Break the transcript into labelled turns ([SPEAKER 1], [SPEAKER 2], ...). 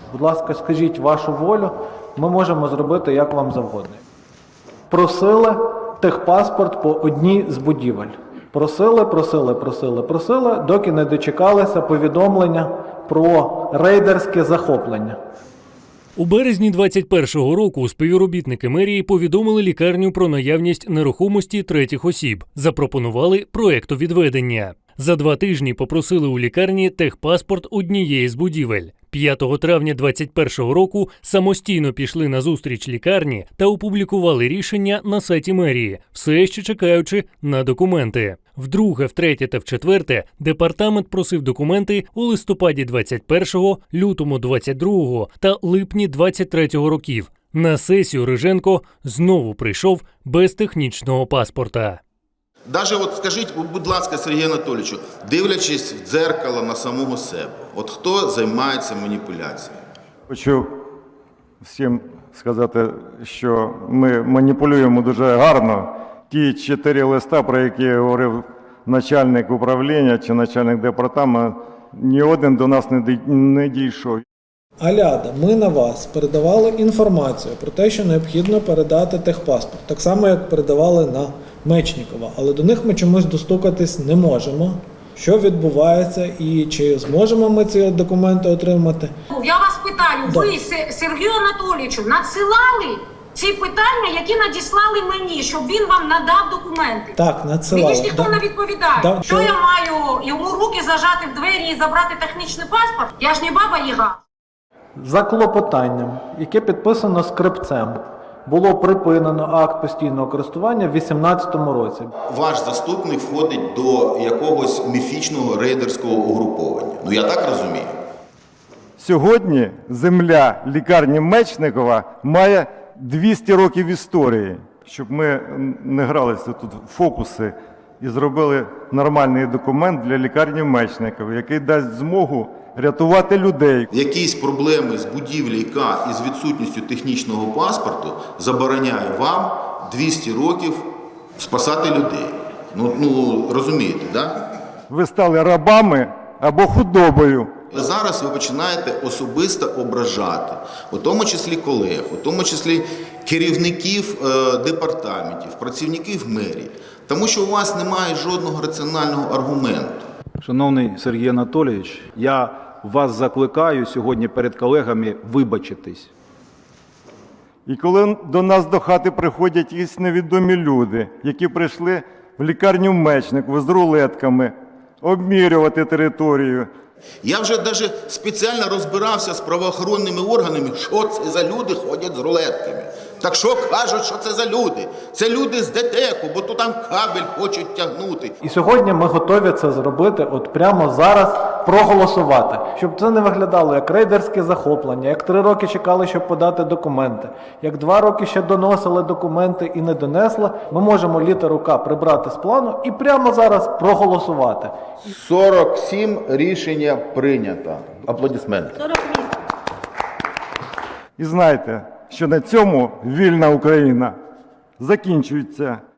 [SPEAKER 1] Будь ласка, скажіть вашу волю, ми можемо зробити як вам завгодно. Просили техпаспорт по одній з будівель. Просили, доки не дочекалися повідомлення про рейдерське захоплення.
[SPEAKER 2] У березні 2021 року співробітники мерії повідомили лікарню про наявність нерухомості третіх осіб, запропонували проектовідведення. За 2 тижні попросили у лікарні техпаспорт однієї з будівель. 5 травня 2021 року самостійно пішли на зустріч лікарні та опублікували рішення на сайті мерії, все ще чекаючи на документи. Вдруге, втретє та вчетверте департамент просив документи у листопаді 21-го, лютому 22-го та липні 23-го років. На сесію Риженко знову прийшов без технічного паспорта.
[SPEAKER 3] Даже от скажіть, будь ласка, Сергію Анатолійовичу, дивлячись в дзеркало на самого себе, от хто займається маніпуляцією?
[SPEAKER 4] Хочу всім сказати, що ми маніпулюємо дуже гарно. Ті 4 листа, про які говорив начальник управління чи начальник департаменту, ні один до нас не дійшов.
[SPEAKER 1] Аляда, ми на вас передавали інформацію про те, що необхідно передати техпаспорт. Так само, як передавали на Мечнікова. Але до них ми чомусь достукатись не можемо. Що відбувається і чи зможемо ми ці документи отримати?
[SPEAKER 5] Я вас питаю, ви Сергію Анатолійовичу надсилали ці питання, які надіслали мені, щоб він вам надав документи?
[SPEAKER 1] Так, надсилали.
[SPEAKER 5] Мені ж ніхто не відповідає.
[SPEAKER 1] Да.
[SPEAKER 5] Що я маю йому руки зажати в двері і забрати технічний паспорт? Я ж не баба Яга.
[SPEAKER 1] За клопотанням, яке підписано скрипцем, було припинено акт постійного користування в 2018 році.
[SPEAKER 3] Ваш заступник входить до якогось міфічного рейдерського угруповання. Ну я так розумію.
[SPEAKER 4] Сьогодні земля лікарні Мечникова має 200 років історії. Щоб ми не гралися тут в фокуси і зробили нормальний документ для лікарні Мечникова, який дасть змогу рятувати людей.
[SPEAKER 3] Якісь проблеми з будівлі К із відсутністю технічного паспорту забороняє вам 200 років спасати людей. Ну розумієте, так? Да?
[SPEAKER 4] Ви стали рабами або худобою.
[SPEAKER 3] Зараз ви починаєте особисто ображати, у тому числі колег, у тому числі керівників департаментів, працівників мерії, тому що у вас немає жодного раціонального аргументу.
[SPEAKER 6] Шановний Сергій Анатолійович, я вас закликаю сьогодні перед колегами вибачитись.
[SPEAKER 4] І коли до нас до хати приходять якісь невідомі люди, які прийшли в лікарню Мечникова з рулетками, обмірювати територію.
[SPEAKER 3] Я вже навіть спеціально розбирався з правоохоронними органами, що це за люди ходять з рулетками. Так що кажуть, що це за люди? Це люди з ДТЕКу, бо тут там кабель хочуть тягнути.
[SPEAKER 1] І сьогодні ми готові це зробити, от прямо зараз проголосувати. Щоб це не виглядало як рейдерське захоплення, як 3 роки чекали, щоб подати документи, як 2 роки ще доносили документи і не донесли, ми можемо літеру К прибрати з плану і прямо зараз проголосувати.
[SPEAKER 3] 47 рішення прийнято. Аплодисменти.
[SPEAKER 4] І знайте, що на цьому вільна Україна закінчується.